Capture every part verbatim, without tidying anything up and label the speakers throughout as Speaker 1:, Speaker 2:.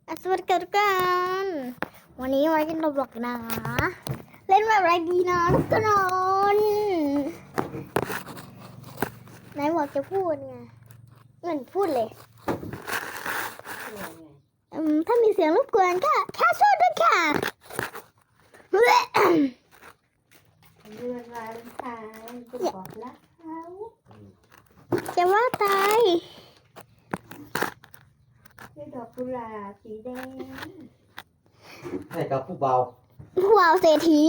Speaker 1: อ่ะสวัสดีค่ะทุกคนวันนี้มาเล่นโรบล็อกนะ เล่นแบบอะไรดีนะทุกคนไหนบอกจะพูดไงเหมือนพูดเลยอืมถ้ามีเสียงรบกวนก็แค่ช่วยด้วยค่ะ
Speaker 2: เดือนวาเลนไทน์จะบอกรักเขา
Speaker 1: จะว่าตาย
Speaker 2: ด้วยดอกกุหลาบสีแดง
Speaker 3: ให้กับผู้เบา
Speaker 1: ผู้เอาเศรษฐี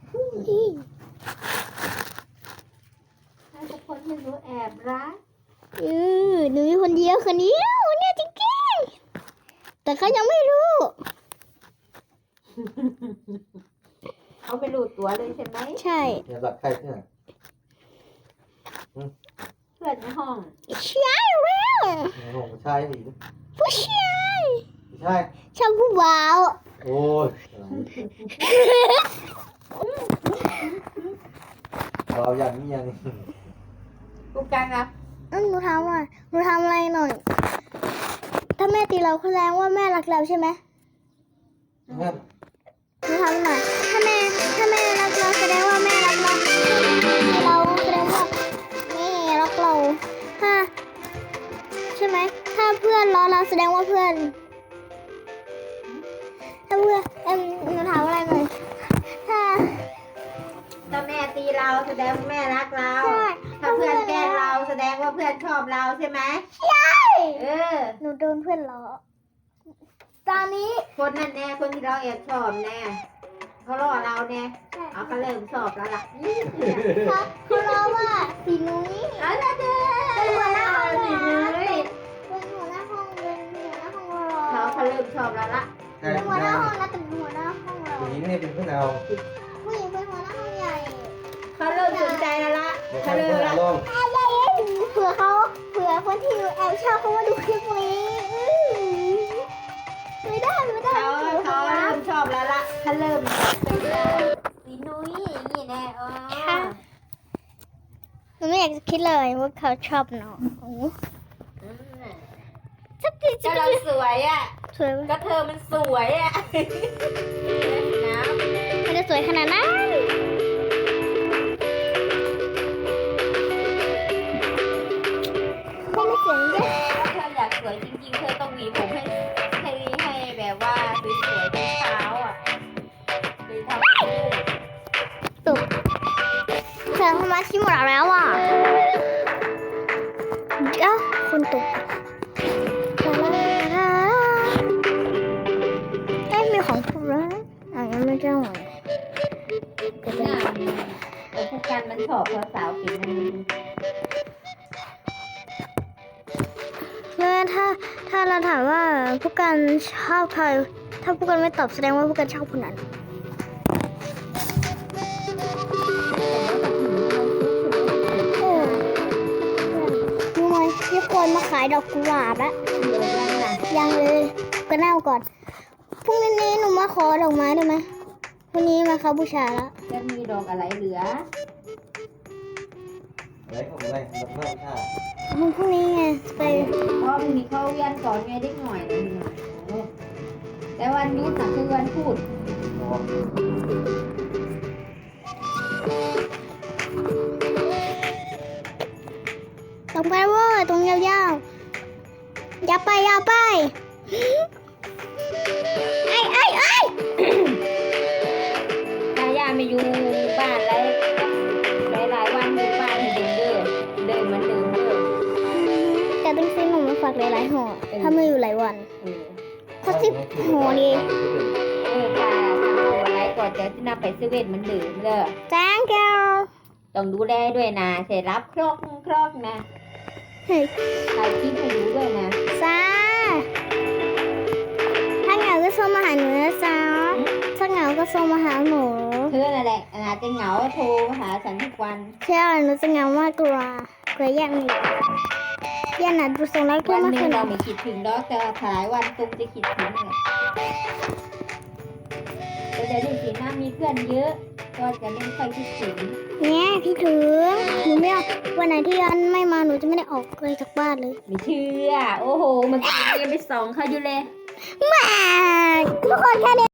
Speaker 2: ถ้าทุกคนไม่รู้แอบรัก
Speaker 1: อือหนูมีคนเดียวคนเดียวเนี่ยจริงๆแต่เขายังไม่รู้
Speaker 2: เขาไม่รู้ตัวเลยใช่ไหม
Speaker 1: ใช่
Speaker 3: เนี่ยหลักใครเนี่ย
Speaker 2: เพื่อนในห้อง
Speaker 1: ใช่แล้ว
Speaker 3: ในห้องผู้ชายหญิง
Speaker 1: ผู้ชาย
Speaker 3: ผู้ชาย
Speaker 1: ชอบผู้บ่าว
Speaker 3: โอ้ยเราอย่างนี้ยัง
Speaker 2: กูกังอ่ะ
Speaker 1: อืมหนูถามหน่อยหนูทำอะไรหน่อย ถ้าแม่ตีเราแสดงว่าแม่รักเราใช่ไหม
Speaker 3: งั้น
Speaker 1: หนูทำหน่อย ถ้าแม่ถ้าแม่รักเราแสดงว่าแม่รักเราเราแสดงว่าแม่รักเราถ้าใช่ไหมถ้าเพื่อนล้อเราแสดงว่าเพื่อน ถ้าเพื่อนเอ็มหนูถามอะไรหน่อย ถ้า
Speaker 2: ถ้าแม่ตีเราแสดงว่าแม่รักเรา
Speaker 1: ใช่
Speaker 2: ถ้าเพื่อนแกล้งเราแสดงว่าเพื่อนชอบเราใช่ไหม
Speaker 1: ใช่
Speaker 2: เออ
Speaker 1: หนูโดนเพื่อนล้อตอนนี้
Speaker 2: คนนั่นแน่คนที่เราแอบชอบแน่เขาล่อเราแน่เอาเขาเริ่มชอบแล้วล่ะ
Speaker 1: เขาเขาล้อว่าสีนุ้ย
Speaker 2: เอาละเด้อ
Speaker 1: เป็นหัวหน้าห้อง
Speaker 2: สี
Speaker 1: นะ
Speaker 2: นุ้ย
Speaker 1: เป็นหัวหน้าห้องเป็นหัวหน้าห้องรอ
Speaker 2: เขาเขาเริ่มชอบแล้วล่ะ
Speaker 3: ใคร
Speaker 1: เป็นหัวห
Speaker 3: ผู้
Speaker 1: น้า
Speaker 3: ชาย
Speaker 1: ห้องนะแต่เป็นหัวหน้าห้องเรา
Speaker 3: ผู้หญิงนี่เป็นผู้เอา
Speaker 1: ผู้หญิงเป็นหัวหน้าห้องใหญ่
Speaker 2: เขาเริ่มสนใจแล้วล่ะ
Speaker 3: ไม่
Speaker 2: เขา
Speaker 3: ใช่
Speaker 2: เริ่ม
Speaker 3: ผู้
Speaker 2: ละ
Speaker 3: เอาลง
Speaker 1: เผื่อเขาเผื่อคนที่แอบชอบเขามาดูคลิปนี้ไม่ได้ไม่ได้
Speaker 2: เขาเขาเริ่มชอบแล้วล่ะเขาเริ่มเป็นสีนุ้ยนี่แน่อ๋อ
Speaker 1: หนูไม่อยากจะคิดเลยว่าเขาชอบน้องสักที
Speaker 2: ก็เราสวยอ่ะ
Speaker 1: สวย
Speaker 2: ก็เธอมันสวยอ่ะนะ
Speaker 1: ไม่ได้สวยขนาดนั้นไม่ได้เสียงเยอะ
Speaker 2: เธออยากสวยจริงๆ เธอต้องหวีผมให้ให้ให้แบบว่าสวยๆทุกเช้าอ่ะหรือทำเป็นลูก
Speaker 1: ตุกเธอเข้ามาที่หมดแล้วอ่ะเดี๋ยวคนตุกเอ้ยมีของถูกแล้วอ่ะยังไม่เจ้าหรอ
Speaker 2: เป็นหน้าเออพวกกันมันชอบสาวๆผิวมัน
Speaker 1: เมื่อถ้าถ้าเราถามว่าพวกกันชอบใครถ้าพวกกันไม่ตอบแสดงว่าพวกกันชอบคนนั้นโอ้รู้ไหมมีคนมาขายดอกกุหลาบแล้ว
Speaker 2: เดี๋ยวยังนะ
Speaker 1: ยังเลยก็เน่าก่อนพรุ่งนี้หนูมาขอดอกไม้ได้ไหมพรุ่งนี้มาเขาบูชาแล้ว
Speaker 2: จะมีดอกอะไรเหลือ
Speaker 3: อะไรของอะไรดอกไม้ค่ะ
Speaker 1: พรุ่งนี้ไงไป
Speaker 2: เพราะมันมีเข้าเวียนก่อนไงได้หน่อยนึงแต่วันนี้น่ะคือวันพูด
Speaker 3: อ๋อ
Speaker 1: ดอกไม้เว้ยตรงยาวๆอย่าไปอย่าไปไอ้ไอ้ไอ้
Speaker 2: ถ้าย่าไม่อยู่บ้านแล้วหลายหลายๆวันอยู่บ้านให้เดินเด้อเดินเหมันเดิมเด้อ
Speaker 1: แต่ต้องซื้อหนูมาฝากหลายๆห่อถ้าไม่อยู่หลายวัน
Speaker 2: เออ
Speaker 1: สักสิบห่อดี
Speaker 2: เออค่ะทำเอาอะไรก่อนจะที่นำไปซื้อเวทเหมันเดิมเด้อ
Speaker 1: thank you
Speaker 2: ต้องดูแลด้วยนะเสร็จรับครอกครอกนะ
Speaker 1: เฮ้ย
Speaker 2: ถ่ายคลิปให้ดูด้วยนะ
Speaker 1: จ้าถ้าเหงาก็ส่งมาหาหนูนะจ้าถ้าเหงาก็ส่งมาหาหนู
Speaker 2: เธอนั่นแหละอาจจะเหงาโทรมาหาฉันทุกวัน
Speaker 1: ใช่หนูจะเหงามากกว่ากว่าแย่มีแย่น่ะดูส่งแล้วก็
Speaker 2: วัน
Speaker 1: ไม่
Speaker 2: หนึ่
Speaker 1: เค
Speaker 2: ง
Speaker 1: ย
Speaker 2: เราไม่คิดถึงดอกแต่หลายวันตุ้มจะคิดถึงเลยแต่เดี๋ยวนี้สิหน้ามีเพื่อนเยอะ ก็จะไม่ค่อยคิดถึง
Speaker 1: เนี่ยพี่ถึงหนูไม่เอาวันไหนที่ยันไม่มาหนูจะไม่ได้ออกเลยจากบ้านเลย
Speaker 2: ไม่เชื่อ โอ้โหเมื่อกี้ยังไปส่องเขาอยู่เลย
Speaker 1: แหม่ทุกคนแค่นี้